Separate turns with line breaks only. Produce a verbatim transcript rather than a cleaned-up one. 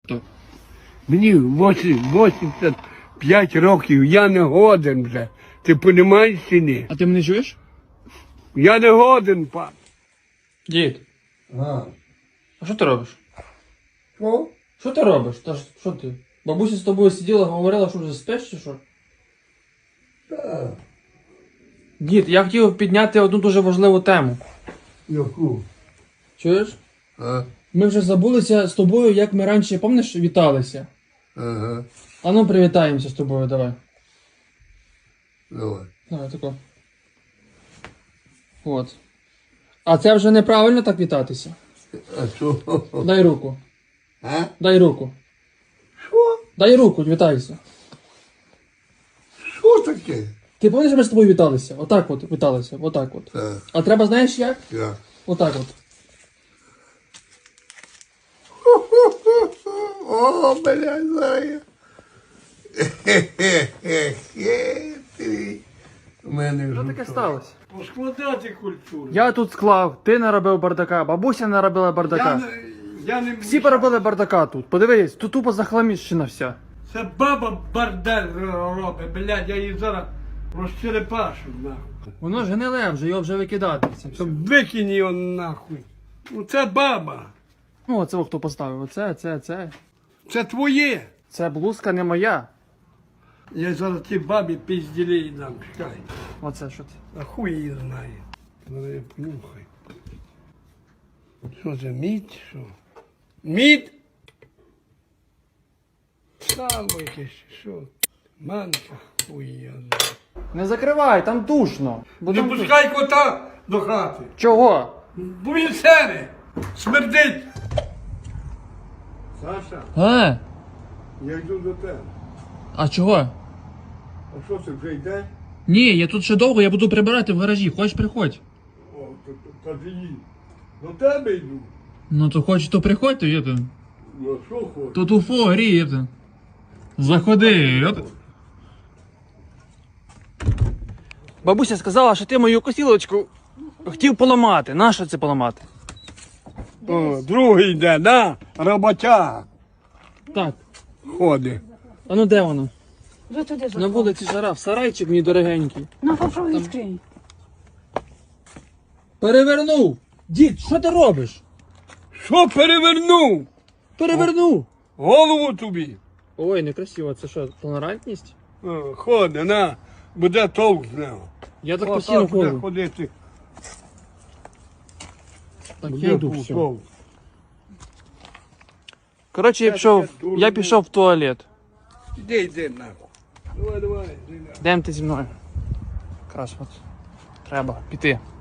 То.
Мені вісімдесят п'ять років, я не годен вже. Ти розумієш чи ні?
А ти мене чуєш?
Я не годен, пан.
Дід,
А.
а що ти робиш?
Що?
Що ти робиш? Та ж, що ти? Бабуся з тобою сиділа, говорила, що вже спиш чи що?
Так.
Дід, я хотів підняти одну дуже важливу тему.
Яку?
Чуєш?
А?
Ми вже забулися з тобою, як ми раніше, пам'ятаєш, віталися.
Ага.
А ну привітаємося з тобою, давай.
Давай.
Давай, тако. От. А це вже неправильно так вітатися.
А що?
Дай руку.
А?
Дай руку.
Що?
Дай руку, вітайся.
Що таке?
Ти пам'ятаєш, ми з тобою віталися? Отак от віталися, отак от.
Так.
А треба, знаєш як?
Я.
Отак от.
О, блядь, зараз. Хе-хе-хе-хе. У мене
Що
вже
таке
то.
сталося?
Поскладати культуру.
Я тут склав, ти наробив бардака, бабуся наробила
Я
бардака.
не, я не
Всі поробили бардака тут. Подивись, тут тупо захламіщена вся.
Це баба бардель робить, блядь, я її зараз розчерепашу, нахуй.
Воно ж гниле вже, його вже викидати. Це все.
Щоб викинь його нахуй. Ну це баба.
Ну, оце хто поставив. Оце, це, це.
Це твоє.
Це блузка не моя.
Я зараз ті бабі пізділі дам, чекай.
Оце що це.
А хуй її знає. Зараз я понюхай. Що це, мідь, що? Мідь? Сало якесь, що? Манка, хуй я знаю.
Не закривай, там душно. Бо
Не
там
пускай кота до хати.
Чого?
Бо він сере, смердить. Саша,
А?
я йду до тебе.
А чого?
А що це вже йде?
Ні, я тут ще довго, я буду прибирати в гаражі. Хочеш, приходь.
О, то, то, то її. До тебе йду.
Ну то хочеш, то приходь, то є то.
Ну, а що хочеш?
Тут уфо гріє. то. Заходи. От. Бабуся сказала, що ти мою косілочку хотів поламати. Нащо це поламати?
О, другий йде, да? Роботяг
Так.
ходить.
А ну де воно?
Вже туди
На
заходь.
вулиці жара, в сарайчик мій дорогенький.
Ну, попробуй відкрий.
Перевернув! Дід, що ти робиш?
Що перевернув?
Перевернув!
Голову тобі.
Ой, некрасиво, це що, толерантність?
О, ходи, на, буде толк з нього.
Я так
О,
постійно
так буде
ходжу.
ходити.
Так,
Буде
я йду, все.
толк.
Коротше, я пішов, я пішов в туалет.
Іди, йди, нахуй. Давай, давай, йди, нахуй.
Йдемо ти зі мною. Якраз от. Треба піти.